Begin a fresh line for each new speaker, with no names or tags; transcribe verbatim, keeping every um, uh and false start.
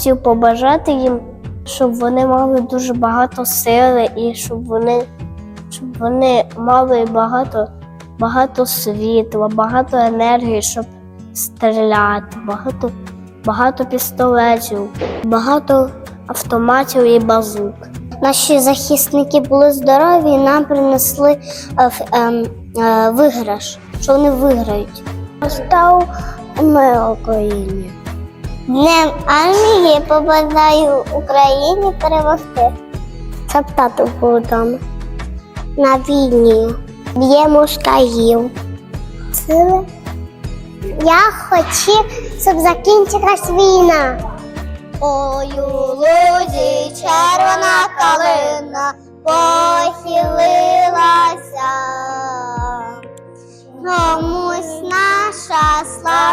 хотів побажати їм, щоб вони мали дуже багато сили і щоб вони, щоб вони мали багато, багато світла, багато енергії, щоб стріляти, багато, багато пістолетів, багато автоматів і базук. Наші захисники були здорові і нам принесли е, е, е, виграш, що вони виграють. Став ми Україні. Днем армії побажаю Україні перемогти. Щоб тато був вдома. На війні. Б'є москалів. Сили. Я хочу, щоб закінчилась війна. Ой, у лузі червона калина похилилася. Комусь наша слава